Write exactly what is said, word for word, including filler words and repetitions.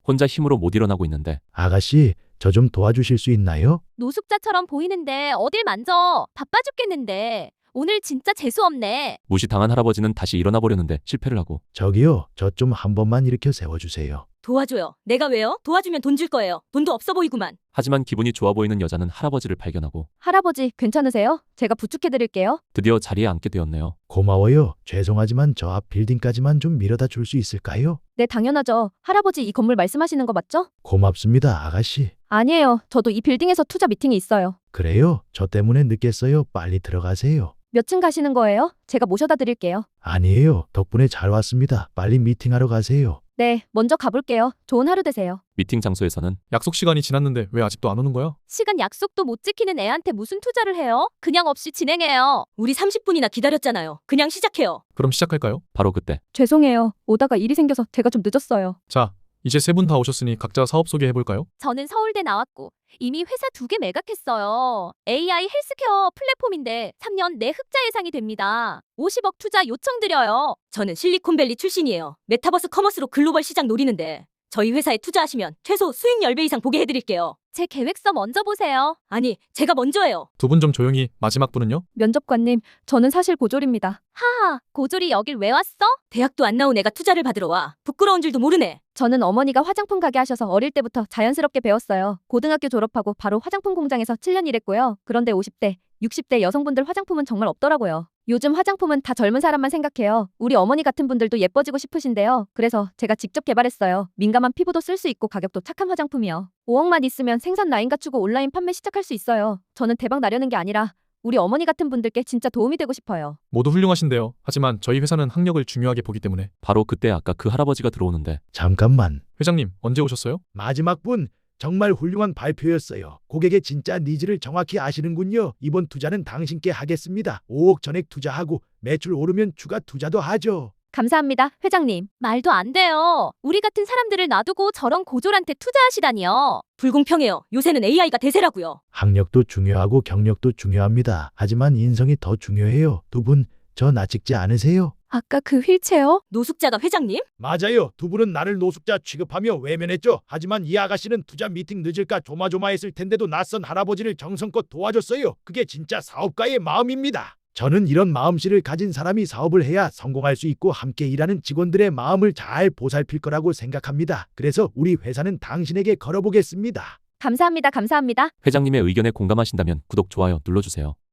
혼자 힘으로 못 일어나고 있는데 아가씨, 저 좀 도와주실 수 있나요? 노숙자처럼 보이는데 어딜 만져. 바빠 죽겠는데. 오늘 진짜 재수없네. 무시당한 할아버지는 다시 일어나 보려는데 실패를 하고 저기요, 저 좀 한 번만 일으켜 세워주세요. 도와줘요. 내가 왜요? 도와주면 돈 줄 거예요. 돈도 없어 보이구만. 하지만 기분이 좋아 보이는 여자는 할아버지를 발견하고 할아버지, 괜찮으세요? 제가 부축해드릴게요. 드디어 자리에 앉게 되었네요. 고마워요. 죄송하지만 저 앞 빌딩까지만 좀 밀어다 줄 수 있을까요? 네, 당연하죠. 할아버지, 이 건물 말씀하시는 거 맞죠? 고맙습니다, 아가씨. 아니에요. 저도 이 빌딩에서 투자 미팅이 있어요. 그래요? 저 때문에 늦겠어요. 빨리 들어가세요. 몇 층 가시는 거예요? 제가 모셔다 드릴게요. 아니에요. 덕분에 잘 왔습니다. 빨리 미팅하러 가세요. 네, 먼저 가볼게요. 좋은 하루 되세요. 미팅 장소에서는 약속 시간이 지났는데 왜 아직도 안 오는 거야? 시간 약속도 못 지키는 애한테 무슨 투자를 해요? 그냥 없이 진행해요. 우리 삼십 분이나 기다렸잖아요. 그냥 시작해요. 그럼 시작할까요? 바로 그때 죄송해요. 오다가 일이 생겨서 제가 좀 늦었어요. 자, 이제 세 분 다 오셨으니 각자 사업 소개해볼까요? 저는 서울대 나왔고 이미 회사 두 개 매각했어요. 에이아이 헬스케어 플랫폼인데 삼 년 내 흑자 예상이 됩니다. 오십억 투자 요청드려요. 저는 실리콘밸리 출신이에요. 메타버스 커머스로 글로벌 시장 노리는데 저희 회사에 투자하시면 최소 수익 십 배 이상 보게 해드릴게요. 제 계획서 먼저 보세요. 아니, 제가 먼저예요. 두 분 좀 조용히. 마지막 분은요? 면접관님, 저는 사실 고졸입니다. 하하, 고졸이 여길 왜 왔어? 대학도 안 나온 애가 투자를 받으러 와. 부끄러운 줄도 모르네. 저는 어머니가 화장품 가게 하셔서 어릴 때부터 자연스럽게 배웠어요. 고등학교 졸업하고 바로 화장품 공장에서 칠 년 일했고요. 그런데 오십 대, 육십 대 여성분들 화장품은 정말 없더라고요. 요즘 화장품은 다 젊은 사람만 생각해요. 우리 어머니 같은 분들도 예뻐지고 싶으신데요. 그래서 제가 직접 개발했어요. 민감한 피부도 쓸 수 있고 가격도 착한 화장품이요. 오억만 있으면 생산 라인 갖추고 온라인 판매 시작할 수 있어요. 저는 대박 나려는 게 아니라 우리 어머니 같은 분들께 진짜 도움이 되고 싶어요. 모두 훌륭하신데요. 하지만 저희 회사는 학력을 중요하게 보기 때문에. 바로 그때 아까 그 할아버지가 들어오는데 잠깐만. 회장님, 언제 오셨어요? 마지막 분, 정말 훌륭한 발표였어요. 고객의 진짜 니즈를 정확히 아시는군요. 이번 투자는 당신께 하겠습니다. 오억 전액 투자하고 매출 오르면 추가 투자도 하죠. 감사합니다, 회장님. 말도 안 돼요. 우리 같은 사람들을 놔두고 저런 고졸한테 투자하시다니요. 불공평해요. 요새는 에이아이가 대세라고요. 학력도 중요하고 경력도 중요합니다. 하지만 인성이 더 중요해요. 두 분, 저 나 찍지 않으세요? 아까 그 휠체어? 노숙자가 회장님? 맞아요. 두 분은 나를 노숙자 취급하며 외면했죠. 하지만 이 아가씨는 투자 미팅 늦을까 조마조마했을 텐데도 낯선 할아버지를 정성껏 도와줬어요. 그게 진짜 사업가의 마음입니다. 저는 이런 마음씨를 가진 사람이 사업을 해야 성공할 수 있고 함께 일하는 직원들의 마음을 잘 보살필 거라고 생각합니다. 그래서 우리 회사는 당신에게 걸어보겠습니다. 감사합니다, 감사합니다. 회장님의 의견에 공감하신다면 구독, 좋아요 눌러주세요.